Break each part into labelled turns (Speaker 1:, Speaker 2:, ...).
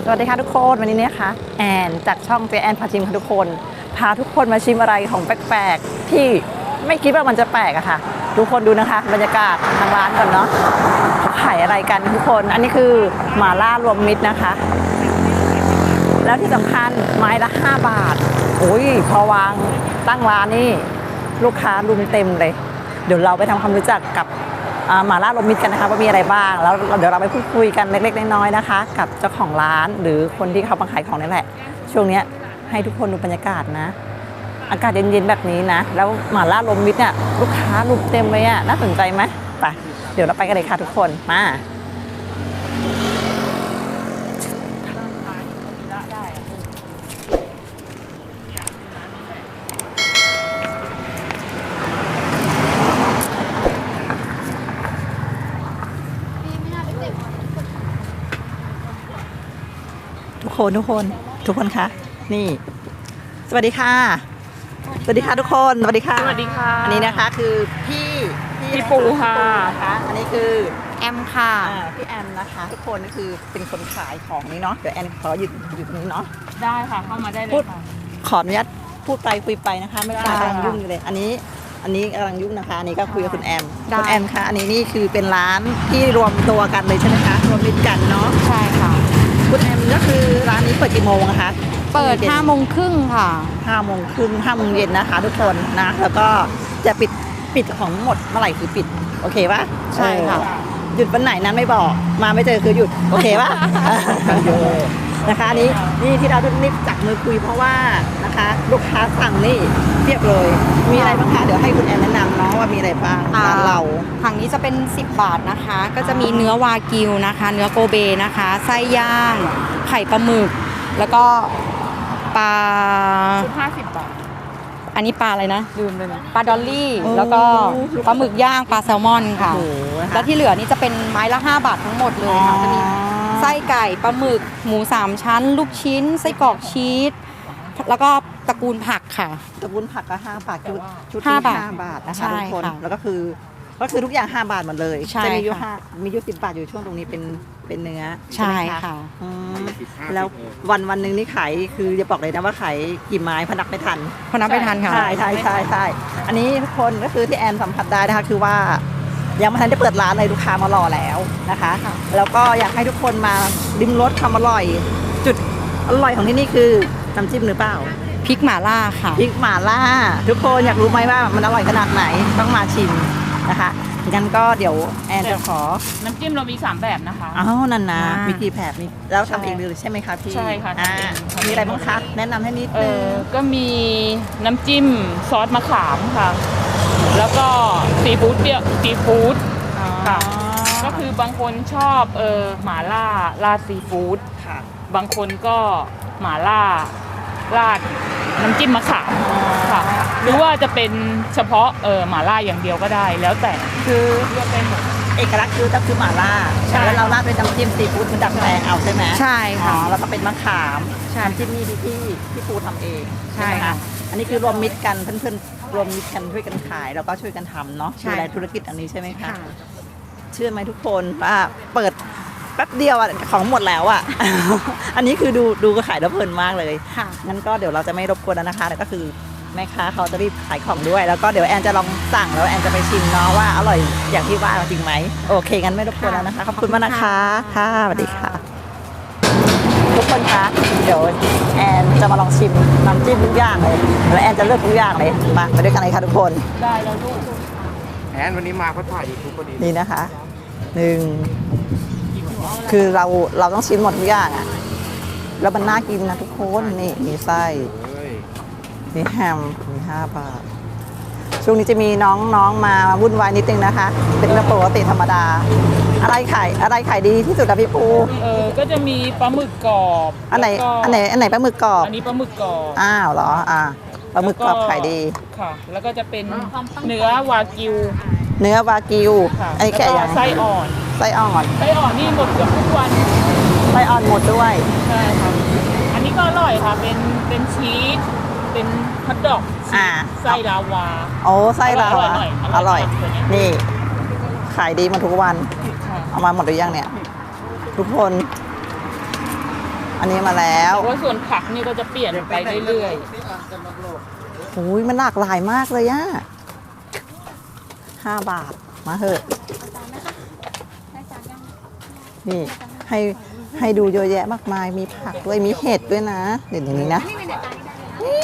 Speaker 1: สวัสดีค่ะทุกคนวันนี้นะคะแอนจากช่องเจแอนพาชิมค่ะทุกคนพาทุกคนมาชิมอะไรของแปลกๆที่ไม่คิดว่ามันจะแปลกอะค่ะทุกคนดูนะคะบรรยากาศทางร้านก่อนเนาะเขาขายอะไรกันทุกคนอันนี้คือหม่าล่ารวมมิตรนะคะแล้วที่สำคัญไม้ละ5 บาทโอ้ยพอวางตั้งร้านนี่ลูกค้ารุมเต็มเลยเดี๋ยวเราไปทำความรู้จักกับหม่าล่ารวมมิตรกันนะคะว่ามีอะไรบ้างแล้วเดี๋ยวเราไปพูดคุยกันเล็กๆน้อยๆนะคะกับเจ้าของร้านหรือคนที่เขามาขายของนี่แหละช่วงนี้ให้ทุกคนดูบรรยากาศนะอากาศเย็นๆแบบนี้นะแล้วหม่าล่ารวมมิตรเนี่ยลูกค้ารุมเต็มเลยอ่ะน่าสนใจไหมไปเดี๋ยวเราไปกันเลยค่ะทุกคนมาทุกคนคะนี่สวัสดีค่ะสวัสดีค่ะทุกคนสวัสดีค่ะ
Speaker 2: สวัสดีค่ะ
Speaker 1: อันนี้นะคะคือพี่
Speaker 2: ปูค่ะ
Speaker 1: นะคะอันนี้คือ
Speaker 2: แอมค่ะ
Speaker 1: พี่แอมนะคะทุกคนนี่คือเป็นคนขายของนี่เนาะเดี๋ยวแอนขออยู่ตรงนี้เนาะ
Speaker 2: ได้ค่ะเข้ามาได้เล
Speaker 1: พู
Speaker 2: ย
Speaker 1: ด
Speaker 2: ค่ะ
Speaker 1: ขออนุญาตพูดไปคุยไปนะคะไม่ได้
Speaker 2: ได้
Speaker 1: กำลังยุ่งอยู่เลยอันนี้กำลังยุ่งนะคะอันนี้ก็คุยกับคุณแอม
Speaker 2: ได้
Speaker 1: คุณแอมคะอันนี้นี่คือเป็นร้านที่รวมตัวกันเลยใช่ไหมคะรวมมิตรกันเนาะ
Speaker 2: ใช่ค่ะ
Speaker 1: คุณแอมก็คือร้านนี้เปิดกี่โมงนะคะ
Speaker 2: เปิด5 โมงครึ่งค่ะ
Speaker 1: 5 โมงครึ่ง5 โมงเย็นนะคะทุกคนนะแล้วก็จะปิดของหมดเมื่อไหร่คือปิดโอเคปะ
Speaker 2: ใช่ค่ะ
Speaker 1: หยุดวันไหนนั้นไม่บอกมาไม่เจอคือหยุดโอเคปะ นะคะอันนี้ที่เราทุกนิดจับมือคุยเพราะว่านะคะลูกค้าสั่งนี่เรียบเลยมีอะไรบ้างคะเดี๋ยวให้คุณแอนแนะนำเนาะว่ามีอะไรบ้างร้านเรา
Speaker 3: ถังนี้จะเป็น10 บาทนะคะ ก็จะมีเนื้อวากิวนะคะ เนื้อโกเบนะคะ ไส้ย่าง ไข่ปลาหมึก แล้วก็ปลา
Speaker 2: ชุด50 บาท
Speaker 3: อันนี้ปลาอะไรนะ
Speaker 2: ลืมเลยนะ
Speaker 3: ปลาดอลลี่
Speaker 1: โอ้
Speaker 3: แล้วก็ปลาหมึกย่างปลาแซลมอนค่ะ
Speaker 1: โอ้โหนะคะ
Speaker 3: แล้วที่เหลือนี่จะเป็นไม้ละ5 บาททั้งหมดเลยค่ะ จะมีไส้ไก่ปลาหมึก หมู3 ชั้น ลูกชิ้น ไส้กรอกชีส แล้วก็ตระกูลผักค่ะ
Speaker 1: ตระกูลผักก็5 บาทชุด
Speaker 3: ห้า
Speaker 1: ที่
Speaker 3: บาท
Speaker 1: 5 บาทนะคะ
Speaker 3: ใช่
Speaker 1: ทุกคน
Speaker 3: ค่ะ
Speaker 1: แล้วก็คือทุกอย่าง5 บาทหมดเลย
Speaker 3: ใช่
Speaker 1: จะมีอยู่
Speaker 3: ค่ะ
Speaker 1: มีอยู่10 บาทอยู่ช่วงตรงนี้เป็นเนื้อ
Speaker 3: ใช่
Speaker 1: ไหม
Speaker 3: ค่ะ
Speaker 1: อืมแล้ววันหนึ่งนี่ขายคือจะบอกเลยนะว่าขายกี่ไม้พนักไม่ทัน
Speaker 3: พอนับไปทันค่ะ
Speaker 1: ใช่อันนี้ทุกคนก็คือที่แอนสัมผัสได้นะคะคือว่ายังไม่ทันได้เปิดร้านเลยลูกค้ามารอแล้วนะคะ
Speaker 3: ค่ะ
Speaker 1: แล้วก็อยากให้ทุกคนมาลิ้มรสความอร่อย จุดอร่อยของที่นี่คือน้ำจิ้มหรือเปล่า
Speaker 3: พริกหม่าล่าค่ะ
Speaker 1: พริกหม่าล่าทุกคนอยากรู้ไหมว่ามันอร่อยขนาดไหนต้องมาชิมนะคะงั้นก็เดี๋ยวแอนจะขอ
Speaker 2: น้ำจิ้มเรามี 3 แบบนะคะ
Speaker 1: อ้าวนั่นนะ
Speaker 3: อ่ามี
Speaker 1: มีกี่แผบมีแล้ว
Speaker 3: ใช่
Speaker 1: ทำเองเลยใช่ไหมคะพี่
Speaker 2: ใช่ค่ะ
Speaker 1: อ่า
Speaker 2: ทำเอง
Speaker 1: มีอะไรบ้างคะแนะนำให้นิดนึง
Speaker 2: ก็มีน้ำจิ้มซอสมะขามค่ะ แล้วก็ซีฟู้ดค่ะ ก็คือบางคนชอบหม่าล่าราดซีฟู้ด
Speaker 1: ค่ะ
Speaker 2: บางคนก็หม่าล่าราดน้ำจิ้มมะขามค่ะ หรือว่าจะเป็นเฉพาะหม่าล่าอย่างเดียวก็ได้ แล้วแต่
Speaker 1: คือ
Speaker 2: เลือกได้หมด
Speaker 1: เอกลักษณ์คือต้องคือหม่าล่า
Speaker 2: ใช่
Speaker 1: แล้วเราราดเป็นน้ำจิ้มซีฟู้ดคือดัดแปลงเอาใช่ไหม
Speaker 3: ใช่
Speaker 1: อ๋อ
Speaker 3: ค่ะ
Speaker 1: แล้วก็เป็นมะขาม
Speaker 3: ใช่
Speaker 1: น้ำจิ้มนี่ที่ปูทำเอง
Speaker 3: ใช่
Speaker 1: ไหม
Speaker 3: ค่ะ
Speaker 1: อันนี้คือรวมมิตรกันเพื่อนๆรวมมิตรกันช่วยกันขายแล้วก็ช่วยกันทำเนาะ
Speaker 3: ใช่
Speaker 1: ดูแลธุรกิจอันนี้ใช่ไหมคะ
Speaker 3: ค่ะ
Speaker 1: เชื่อไหมทุกคนว่าเปิดแป๊บเดียวอะของหมดแล้วอะ อันนี้คือดูก็ขายแล้วเพลินมากเลย
Speaker 3: ค่ะ
Speaker 1: งั้นก็เดี๋ยวเราจะไม่รบกวนแล้วนะคะแต่ก็คือแม่ค้าเขาจะรีบขายของด้วย แล้วก็เดี๋ยวแอนจะลองสั่งแล้วแอนจะไปชิมเนาะว่าอร่อยอย่างที่ว่าจริงไหมโอเคงั้นไม่รบกวนแล้วนะคะขอบคุณมากนะคะค่ะสวัสดีค่ะ ทุกคนคะเดี๋ยวแอนจะมาลองชิมน้ำจิ้มทุกอย่างเลยแล้วแอนจะเลือกทุกอย่างเลยมาไปด้วยกันเลยค่ะทุกคน
Speaker 2: ได้แล้วลูก
Speaker 4: แอนวันนี้มาเขาถ่ายยูทูบพอดี
Speaker 1: นี่นะคะหนึ่งคือเราต้องชิมหมดทุกอย่างอะแล้วมันน่ากินนะทุกคนนี่มีไส้
Speaker 4: เฮ้ย
Speaker 1: มีแฮมมี5 บาท ช่วงนี้จะมีน้องมาวุ่นวายนิดนึงนะคะ เป็นเรื่องปกติธรรมดา อะไรขายดีที่สุดอะพี่ปู
Speaker 2: ก็จะมีปลาหมึกกรอบ
Speaker 1: อันไหน
Speaker 2: แล้วก็
Speaker 1: อันไหนปลาหมึกกรอบ
Speaker 2: อันนี้ปลาหมึกกรอบ
Speaker 1: อ้าวเหรอปลาหมึกกรอบขายดี
Speaker 2: ค่ะ แล้วก็จะเป็นเนื้อวากิว
Speaker 1: เนื้อวากิว
Speaker 2: ค่ะ
Speaker 1: ไอ้แกะ
Speaker 2: แล้ว
Speaker 1: ยัง
Speaker 2: ไส้อ่อน
Speaker 1: ไส้อ่อน
Speaker 2: ไส้อ่อนนี่หมดเกือบทุกวัน
Speaker 1: ไส้อ่อนหมดด้วย
Speaker 2: ใช่ค่ะ อันนี้ก็อร่อยค่ะ เป็นชีส เป็นฮอทดอก
Speaker 1: อ่า
Speaker 2: ไส้ลาวา
Speaker 1: โอ้ไส้เรา
Speaker 2: อร่อย
Speaker 1: อะ
Speaker 2: อร่อย
Speaker 1: อร่อย
Speaker 2: ตัวเนี้ย
Speaker 1: นี่ ขายดีมาทุกวัน
Speaker 2: ค่ะ
Speaker 1: เอามาหมดหรือยังเนี่ย ทุกคนอันนี้มาแล้ว
Speaker 2: แต่ว่าส่วนผักนี่ก็จะเปลี่ยนไปเรื่อย
Speaker 1: โอ้ยมันหลากหลายมากเลยอะ5 บาทมาเถอะนี่ให้ดูเยอะแยะมากมายมีผักด้วยมีเห็ดด้วยนะเดี๋ยวนี้นะนี่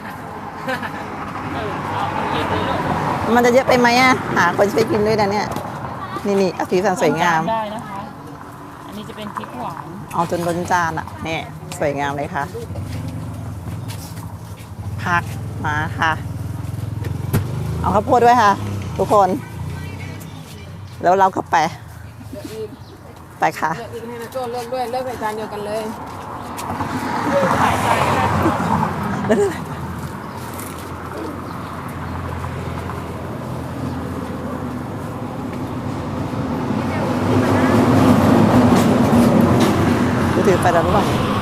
Speaker 1: มันจะเยอะไปไหมอะหาคนช่วยกินด้วยนะเนี่ยนี่เอาสีสัน
Speaker 2: ๆ
Speaker 1: สวยงาม
Speaker 2: ได้นะคะ อันนี้จะเป็นพริกหวาน
Speaker 1: เอาจนล้นจานอะนี่สวยงามเลยค่ะผักมาค่ะ เอาข้าวโพดด้วยค่ะ ทุกคน แล้วเราก็ไปค่ะ
Speaker 5: เลือกอีกให้นะโจ้เลือกด้วยเลือกใส่จานเดียวกันเลย
Speaker 1: กูถือไปแล้วหรือเปล่า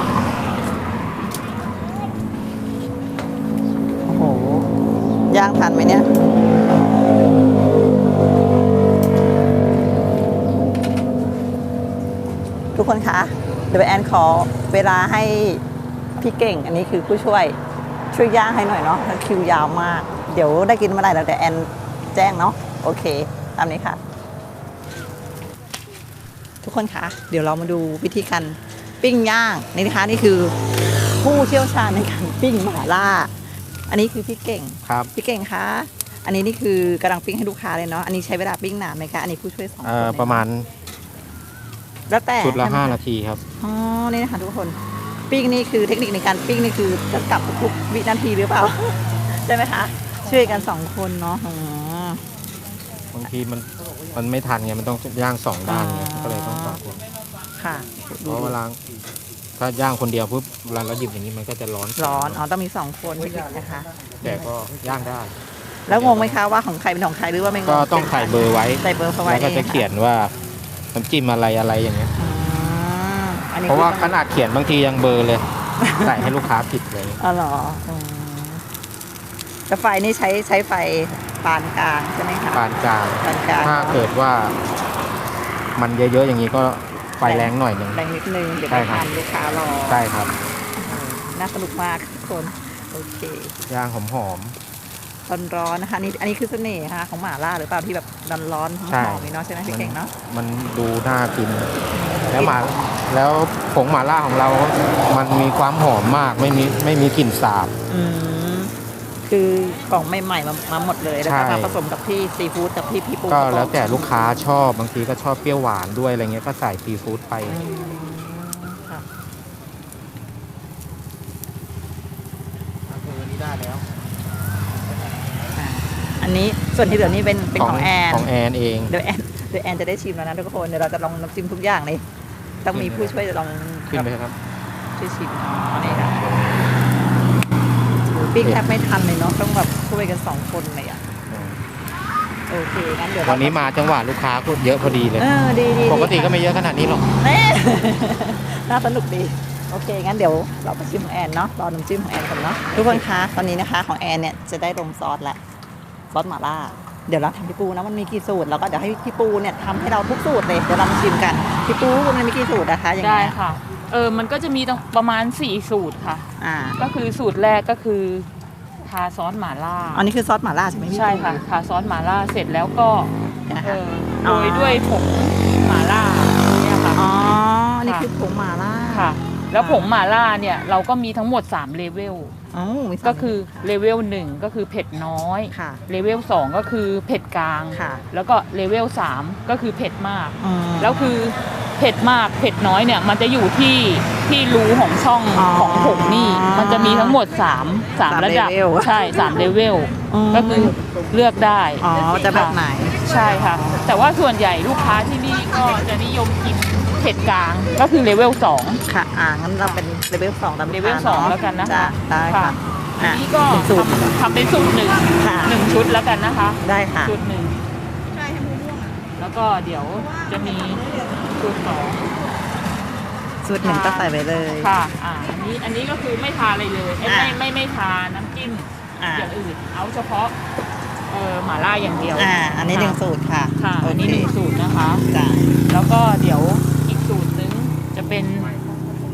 Speaker 1: โอ้โห ย่างทันไหมเนี่ย ทุกคนคะ เดี๋ยวแอนขอเวลาให้พี่เก่ง อันนี้คือผู้ช่วยย่างให้หน่อยเนาะแล้วคิวยาวมาก เดี๋ยวได้กินเมื่อไหร่แล้วแต่แอนแจ้งเนาะ โอเค ตามนี้ค่ะ ทุกคนคะ เดี๋ยวเรามาดูวิธีการปิ้งย่างนี่นะคะนี่คือผู้เชี่ยวชาญในการปิ้งหม่าล่า อันนี้คือพี่เก่ง
Speaker 4: ครับ
Speaker 1: พี่เก่งคะ อันนี้นี่คือกำลังปิ้งให้ลูกค้าเลยเนาะ อันนี้ใช้เวลาปิ้งนานไหมคะ อันนี้ผู้ช่วย2 คนเลย
Speaker 4: ประมาณ
Speaker 1: แล้วแต่
Speaker 4: ชุดละ
Speaker 1: ใช่ไหมค
Speaker 4: 5 นาทีครับ
Speaker 1: อ๋อ นี่นะคะทุกคน ปิ้งนี่คือเทคนิคในการปิ้งนี่คือจะกลับทุกวินาทีหรือเปล่า ใช่ไหมคะ ช่วยกัน2 คนเนาะอ๋อบ
Speaker 4: างทีมันไม่ทันไงมันต้องย่าง2 ด้านไงก็เลยต้อง2 คน
Speaker 1: ค่ะ
Speaker 4: เพราะเวลาถ้าย่างคนเดียวปุ๊บเวลาเราหยิบอย่างนี้มันก็จะร้อน
Speaker 1: ร้อน อ๋อ ต้องมี2 คนเทคนิคนะคะ
Speaker 4: แต่ก็ย่างได้
Speaker 1: แล้วงงไหมคะว่าของใครเป็นของใครหรือว่าไม่งง
Speaker 4: ก็ต้องใส่เบอร์ไว้
Speaker 1: ใส่เบอร์เขาไว้
Speaker 4: แล้วก็จะ
Speaker 1: อง
Speaker 4: เขียนว่าน้ำจิ้มอะไรอย่างเงี้ย
Speaker 1: อืมอันนี้
Speaker 4: เพราะว่า
Speaker 1: คือ
Speaker 4: ขนาดเขียนบางทียังเบลอร์ เลย ใส่ให้ลูกค้าผิดเลย
Speaker 1: อ๋อเหรออืมแต่ไฟนี่ใช้ไฟปานกลางใช่ไหมคะ
Speaker 4: ปานกลาง
Speaker 1: ปานกลาง
Speaker 4: ถ้าเกิดว่ามันเยอะๆอย่างนี้ก็ไฟแรงหน่อยหนึ่ง
Speaker 1: แรงนิดนึงเดี๋ยว
Speaker 4: ใช่
Speaker 1: ไป
Speaker 4: ครับ
Speaker 1: ทานลูกค้ารอ
Speaker 4: ใช่ครับ
Speaker 1: น่าสนุกมากทุกคน โอเค
Speaker 4: ย่างหอม
Speaker 1: ร้อนๆนะคะนี่อันนี้คือเสน่ห์นะคะของหม่าล่าหรือเปล่าที่แบบร้อนๆห
Speaker 4: ใช่
Speaker 1: อมๆนี่เนาะใช่ไหม
Speaker 4: ๆ
Speaker 1: พี่เก่งเนาะ
Speaker 4: มันดูน่ากิน แล้วผงหม่าล่าของเรา มันมีความหอมมากไม่มีกลิ่นสาบ
Speaker 1: อืมคือของใหม่ๆมาหมดเลยแล้วก็
Speaker 4: ใช่
Speaker 1: มาผสมกับที่ซีฟู้ดกับพี่ปู
Speaker 4: ก็แล้วแต่ลูกค้าชอบบางทีก็ชอบเปรี้ยวหวานด้วยอะไรเงี้ยก็ใส่ซีฟู้ดไป
Speaker 1: อืมค่ะ
Speaker 4: นี้ได้แล้ว
Speaker 1: อันนี้ส่วนที่เหลือนี่เป็นของแอน
Speaker 4: ของแอนเอง
Speaker 1: เดี๋ยวแอนจะได้ชิมแล้วนะทุกคนเดี๋ยวเราจะลองน้ำจิ้มทุกอย่างเลยต้องมีผู้ช่วยลอง
Speaker 4: ขึ้นไปครับ
Speaker 1: ช่วยชิมอ๋อนี่ค่ะปิ้งแทบไม่ทันเลยเนาะต้องแบบช่วยกัน2 คนเลยอ่ะโอเคงั้นเดี๋ยว
Speaker 4: วันนี้มาจังหวะลูกค้าก็เยอะพอดีเลย
Speaker 1: ดี
Speaker 4: ปกติก็ไม่เยอะขนาดนี้หรอก
Speaker 1: เน่ น่าสนุกดีโอเคงั้นเดี๋ยวเราไปชิมของแอนเนาะรอน้ำจิ้มของแอนก่อนเนาะทุกคนคะตอนนี้นะคะของแอนเนี่ยจะได้ลงซอสแล้วซอสหม่าล่าเดี๋ยวเราทำพี่ปูนะมันมีกี่สูตรแล้วก็เดี๋ยวให้พี่ปูเนี่ยทำให้เราทุกสูตรเลยเดี๋ยวเรามาชิมกันพี่ปูมันมีกี่สูตรนะคะอย่าง
Speaker 2: ได้
Speaker 1: เงี้ย
Speaker 2: ค่ะ มันก็จะมีประมาณ4สูตรค่ะ
Speaker 1: อ่า
Speaker 2: ก็คือสูตรแรกก็คือทาซอสหม่าล่า
Speaker 1: อันนี้คือซอสหม่าล่าใช่ไหมพี่
Speaker 2: ใช่ค่ะทาซอสหม่าล่าเสร็จแล้วก็
Speaker 1: นะคะ
Speaker 2: โรยด้วยผงหม่าล่าเนี่ยค่ะ
Speaker 1: อ๋ออันนี้คือผงหม่าล่า
Speaker 2: ค่ะ แล้วผงหม่าล่าเนี่ยเราก็มีทั้งหมด3เลเวล
Speaker 1: อ๋อมีสาม
Speaker 2: ก็คือเลเวล1ก็คือเผ็ดน้อย
Speaker 1: ค่ะ
Speaker 2: เลเวล2ก็คือเผ็ดกลาง
Speaker 1: ค่ะ
Speaker 2: แล้วก็เลเวล3ก็คือเผ็ดมาก
Speaker 1: อืม
Speaker 2: แล้วคือเผ็ดมากเผ็ดน้อยเนี่ยมันจะอยู่ที่รูของช่อง
Speaker 1: อ๋อ
Speaker 2: ของผงนี่มันจะมีทั้งหมด3ระดับ
Speaker 1: เลเวล
Speaker 2: ใช่3เลเวล
Speaker 1: อืม
Speaker 2: ก็คือเลือกได้
Speaker 1: อ๋อจะแบบไหน
Speaker 2: ใช่ค่ะ แต่ว่าส่วนใหญ่ลูกค้าที่นี่ก็จะนิยมกินเผ็ดกลางก็คือเลเวล2
Speaker 1: ค่ะงั้นเราเป็นเลเวล2ตาม
Speaker 2: เลเวล2แล้วกันนะคะ
Speaker 1: จ้ได้ค่ะ
Speaker 2: อันนี้ก็
Speaker 1: เป็นสูตร
Speaker 2: ทำเป็นสูตรหนึ่ง
Speaker 1: ค่ะ
Speaker 2: 1ชุดแล้วกันนะคะ
Speaker 1: ได้ค่ะ
Speaker 2: สูตรหนึ่งแล้วก็เดี๋ยวจะมีสูตร2
Speaker 1: สูตรหนึ่งก็ใส่ไปเลย
Speaker 2: ค่ะอันนี้ก็คือไม่ทาอะไรเลยเอ้ย
Speaker 1: อ่า
Speaker 2: ไม่ทาน้ำจิ้ม
Speaker 1: อ่า
Speaker 2: อย่างอื่น เอาเฉพาะหม่าล่าอย่างเดียว
Speaker 1: อันนี้หนึ่งสูตรค่ะ
Speaker 2: ค่ะ
Speaker 1: โอ
Speaker 2: อันนี้
Speaker 1: เค
Speaker 2: 1สูตรนะคะ
Speaker 1: จ้ะ
Speaker 2: แล้วก็เดี๋ยวอีกสูตรนึงจะเป็นทา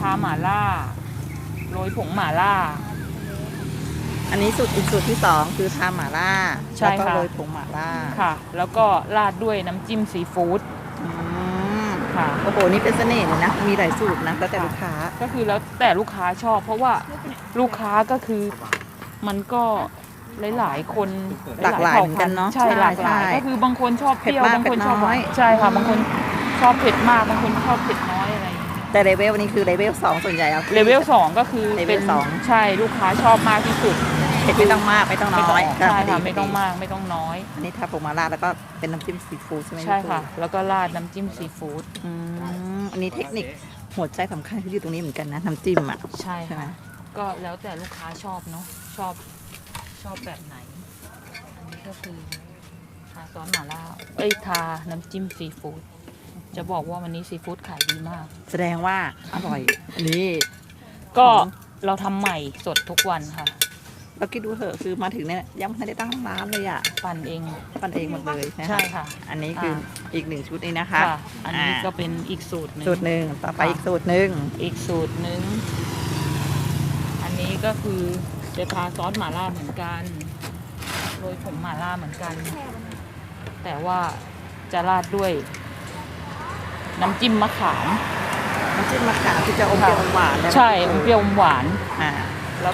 Speaker 2: าหม่าล่าโรยผงหม่าล่า
Speaker 1: อันนี้สูตรอีกสูตรที่สองคือทาหม่าล่า
Speaker 2: ใช่
Speaker 1: แล้วก็
Speaker 2: ค่ะ
Speaker 1: โรยผงหม่าล่า
Speaker 2: ค่ะ แล้วก็ราดด้วยน้ำจิ้มซีฟู้ด
Speaker 1: อืม
Speaker 2: ค่ะ
Speaker 1: โอ้โหนี่เป็นเสน่ห์เลยนะมีหลายสูตรนะแล้วแต่ลูกค้า
Speaker 2: ก็คือแล้วแต่ลูกค้าชอบ เพราะว่าลูกค้าก็คือมันก็หลายๆคน
Speaker 1: หลากหลายเหมือนกันเนาะ
Speaker 2: ใช่หลากหลาย
Speaker 1: ใช่
Speaker 2: ก็คือบางคนชอบเปรี้ยว
Speaker 1: เผ็ดมาก
Speaker 2: บางคนชอบ
Speaker 1: เผ็ดน้อย
Speaker 2: ใช่ค่ะบางคนชอบเผ็ดมากบางคนชอบเผ็ดน้อยอะไรอย่างเงี้ย
Speaker 1: แต่เลเวลนี้คือเลเวล2ส่วนใหญ่เอา
Speaker 2: เลเวล2ก็คือ
Speaker 1: เลเวล
Speaker 2: เป็น
Speaker 1: สอง
Speaker 2: ใช่ลูกค้าชอบมากที่สุด
Speaker 1: เผ็ดไม่ต้องมากไม่ต้องน้อย
Speaker 2: ใช่ค่ะ
Speaker 1: พ
Speaker 2: ไม่ต้องมากไม่ต้องน้อย
Speaker 1: อันนี้ทาผงหม่าล่าแล้วก็เป็นน้ำจิ้มซีฟู้ดใช่ไหม
Speaker 2: ใช่
Speaker 1: พี่ปู
Speaker 2: ค่ะ แล้วก็ราดน้ำจิ้มซีฟู้ด
Speaker 1: อืมอันนี้เทคนิคหัวใจสำคัญคืออยู่ตรงนี้เหมือนกันนะน้ำจิ้มอ่ะ
Speaker 2: ใช่
Speaker 1: ใช่ไหม
Speaker 2: ค่ะก็แล้วแต่ลูกค้าชอบเนาะชอบแบบไหน อันนี้ก็คือทาซอสหม่าล่าทาน้ำจิ้มซีฟู้ดจะบอกว่าวันนี้ซีฟู้ดขายดีมาก
Speaker 1: แสดงว่าอร่อยอันนี้
Speaker 2: ก็เราทำใหม่สดทุกวันค่ะ
Speaker 1: เราคิดดูเถอะคือมาถึงเนี่ยยังไม่ได้ตั้งร้านเลยอ่ะ
Speaker 2: ปั่นเอง
Speaker 1: ปั้นเองหมดเลยน
Speaker 2: ใช่ค่ะ
Speaker 1: อันนี้คืออีกหนึ่งชุดนี้นะคะ
Speaker 2: ค่ะ อันนี้ก็เป็นอีกสูตรหนึ่ง
Speaker 1: สูตรหนึ่งต่อไปอีกสูตรหนึ่ง
Speaker 2: อีกสูตรหนึ่งอันนี้ก็คือจะทาซอสหม่าล่าเหมือนกันโรยผงหม่าล่าเหมือนกัน แต่ว่าจะราดด้วยน้ำจิ้มมะขาม
Speaker 1: น้ำจิ้มมะขามที่จะอมเปรี้ยวอมหวานนะ
Speaker 2: ใช่อมเปรี้ยวอมหวาน
Speaker 1: อ่า
Speaker 2: แล้ว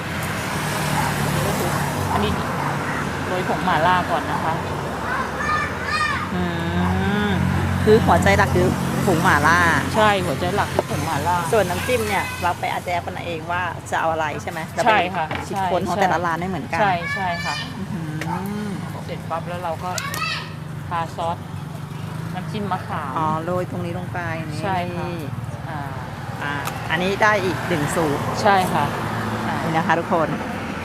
Speaker 2: อันนี้โรยผงหม่าล่าก่อนนะคะ
Speaker 1: อืมคือหัวใจหลักคือผงหม่าล่า
Speaker 2: ใช่หัวใจหลักคือผงหม่าล่า
Speaker 1: ส่วนน้ำจิ้มเนี่ยเราไปอาแจกันเองว่าจะเอาอะไรใช่ไหมเราไป
Speaker 2: ใช่ค่ะ
Speaker 1: คิด
Speaker 2: ใช่
Speaker 1: ค้นของ
Speaker 2: ใช่
Speaker 1: แต่ละร้านไม่เหมือนกัน
Speaker 2: ใช่ใช่ค่ะ
Speaker 1: อืม
Speaker 2: เสร็จปั๊บแล้วเราก็ทาซอสน้ำจิ้มมะขาม
Speaker 1: อ๋อโรยตรงนี้ลงไปนี่
Speaker 2: ใช่ค่ะ อ่า
Speaker 1: อ่าอันนี้ได้อีกหนึ่งสูตร
Speaker 2: ใช่ค่ะ
Speaker 1: นี่นะคะทุกคน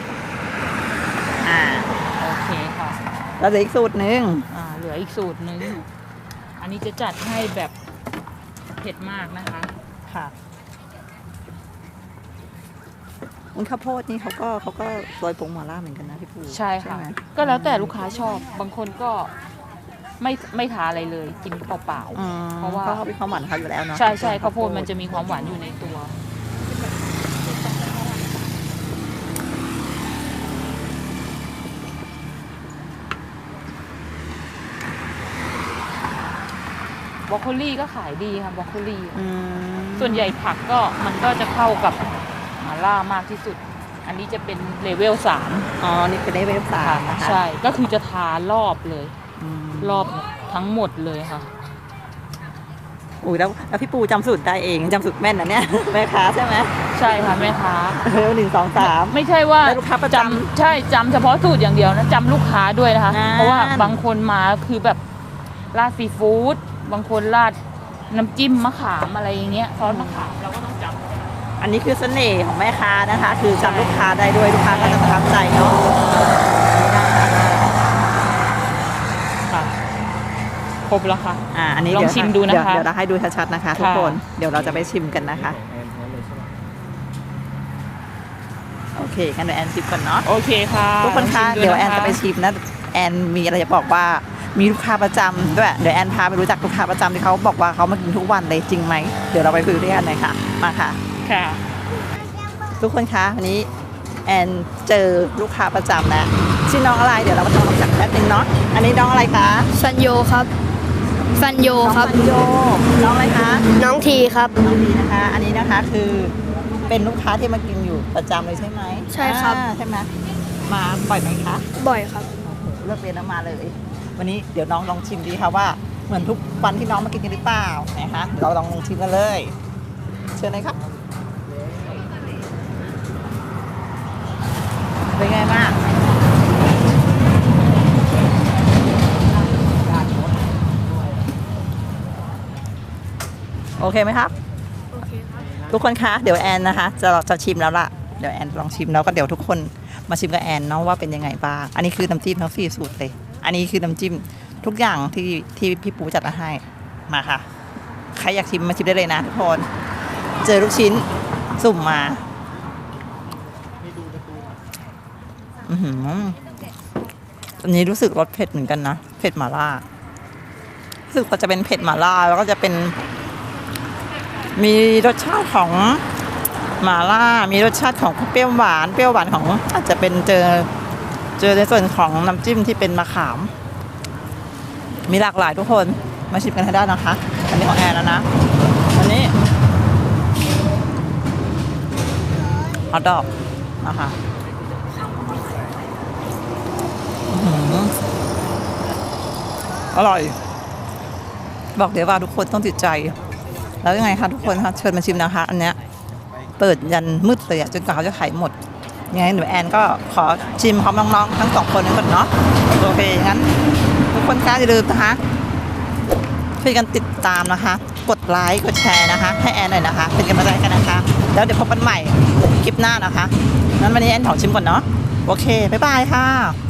Speaker 1: อ่า
Speaker 2: โอเคค่ะ
Speaker 1: แล้วเหลืออีกสูตรหนึ่ง
Speaker 2: เหลืออีกสูตรหนึง อันนี้จะจัดให้แบบเผ็ดมากนะคะ
Speaker 1: ค่ะอุ้นข้าวโพดนี่เขาก็โรยผงหม่าล่าเหมือนกันนะพี่ปู
Speaker 2: ใช่ค่ะ
Speaker 1: ไหม
Speaker 2: ก็แล้วแต่ลูกค้าชอบ บางคนก็ไม่ทาอะไรเลย กินเปล่า
Speaker 1: อืม
Speaker 2: เพราะว่า
Speaker 1: เขามีความหวานของเขาอยู่แล้วเนาะ
Speaker 2: ๆ ใช่ใช่ข้าวโพดมันจะมีความหวานอยู่ในตัว บรอกโคลี่ก็ขายดีค่ะบรอกโคลี่
Speaker 1: อืม
Speaker 2: ส่วนใหญ่ผักก็มันก็จะเข้ากับหม่าล่ามากที่สุด อันนี้จะเป็นเลเวล3
Speaker 1: อ๋อนี่คือได้เวฟสามนะคะ
Speaker 2: ใช่ ก็คือจะทารอบเลย
Speaker 1: อืม
Speaker 2: รอบทั้งหมดเลยค่ะ
Speaker 1: อุ้ยแล้วพี่ปูจำสูตรได้เองจำสูตรแม่นนะเนี่ย แม่ค้าใช่ไหม
Speaker 2: ใช่ค่ะแม่ค้า
Speaker 1: หนึ่งสองสาม
Speaker 2: ไม่ใช่ว่า
Speaker 1: แล้วลูกค้าประจำ
Speaker 2: ใช่จำเฉพาะสูตรอย่างเดียวนะจำลูกค้าด้วยนะคะ
Speaker 1: นั่น
Speaker 2: เพราะว่าบางคนมาคือแบบราดซีฟู้ดบางคนราดน้ำจิ้มมะขามอะไรอย่างเงี้ยซอสมะขามเราก็ต้องจำ
Speaker 1: อันนี้คือเสน่ห์ของแม่ค้านะคะ คือจำลูกค้าได้ด้วยลูกค้าก็จะประทับใจเนาะ
Speaker 2: ค่ะครบแล้วค่ะ
Speaker 1: อันนี้
Speaker 2: ลองชิมดูนะคะ
Speaker 1: เดี๋ยวเราให้ดูชัดๆนะคะทุกคน เดี๋ยวเราจะไปชิมกันนะคะ โอเคงั้นเดี๋ยวแอนชิมก่อนเนาะ
Speaker 2: โอเคค่ะ
Speaker 1: ทุกคนคะ
Speaker 2: ลงชิม
Speaker 1: เดี๋ยวแอน
Speaker 2: ค
Speaker 1: จะไปชิมนะแอนมีอะไรจะบอกว่ามีลูกค้าประจำด้วยเดี๋ยวแอนพาไปรู้จักลูกค้าประจำที่เขาบอกว่าเขามากินทุกวันเลยจริงไหมเดี๋ยวเราไปคุยด้วยกันหน่อยค่ะมาค่ะ
Speaker 2: ค่ะ
Speaker 1: ทุกคนคะวันนี้แอนเจอลูกค้าประจำแล้วชื่อน้องอะไรเดี๋ยวเรามาทำความรู้จักแป๊บนึงเนาะอันนี้น้องอะไรคะ
Speaker 6: ซันโยครับ ซันโย
Speaker 1: น้อง
Speaker 6: ครับ
Speaker 1: ปัญโยน้องอะไรคะ
Speaker 6: น้องทีครับ
Speaker 1: น้องดีนะคะ อันนี้นะคะคือเป็นลูกค้าที่มากินอยู่ประจำเลยใช่ไหม
Speaker 6: ใช่ครับ
Speaker 1: ใช่ไหมมาบ่อยไหมคะ
Speaker 6: บ่อยครับ
Speaker 1: เลิกเรียนแล้วมาเลย วันนี้เดี๋ยวน้องลองชิมดีค่ะว่าเหมือนทุกวันที่น้องมากินกันหรือเปล่านะคะเดี๋ยวเราลองชิมกันเลย เชิญเลยครับเป็นไงบ้างโอเคไหมครับ ทุกคนคะเดี๋ยวแอนนะคะจะชิมแล้วล่ะเดี๋ยวแอนลองชิมแล้วก็เดี๋ยวทุกคนมาชิมกับแอนเนาะว่าเป็นยังไงบ้างอันนี้คือน้ำจิ้มทั้ง4สูตรเลยอันนี้คือน้ำจิ้มทุกอย่างที่พี่ปูจัดมาให้มาค่ะใครอยากชิมมาชิมได้เลยนะทุกคนเจอลูกชิ้นสุ่มมาอือหืออันนี้รู้สึกรสเผ็ดเหมือนกันนะเผ็ดหม่าล่ารู้สึกว่าจะเป็นเผ็ดหม่าล่าแล้วก็จะเป็นมีรสชาติของหม่าล่ามีรสชาติของเปรี้ยวหวานของอาจจะเป็นเจอในส่วนของน้ำจิ้มที่เป็นมะขาม มีหลากหลายทุกคนมาชิมกันให้ได้นะคะ อันนี้ของแอนแล้วนะอันนี้ฮอทดอกนะคะอร่อย บอกเดี๋ยวว่าทุกคนต้องติดใจ แล้วยังไงคะทุกคนคะเชิญมาชิมนะคะ อันเนี้ยเปิดยันมืดเลยอะจนกว่าเขาจะขายหมดยังไงหนูแอนก็ขอชิมพร้อมน้องๆทั้งสองคนนี้ก่อนเนาะโอเคงั้นทุกคนคะอย่าลืมนะคะช่วยกันติดตามนะคะ กดไลค์กดแชร์นะคะ ให้แอนหน่อยนะคะ เป็นกำลังใจกันนะคะ แล้วเดี๋ยวพบกันใหม่คลิปหน้านะคะงั้นวันนี้แอนขอชิมก่อนเนาะโอเคบ๊ายบายค่ะ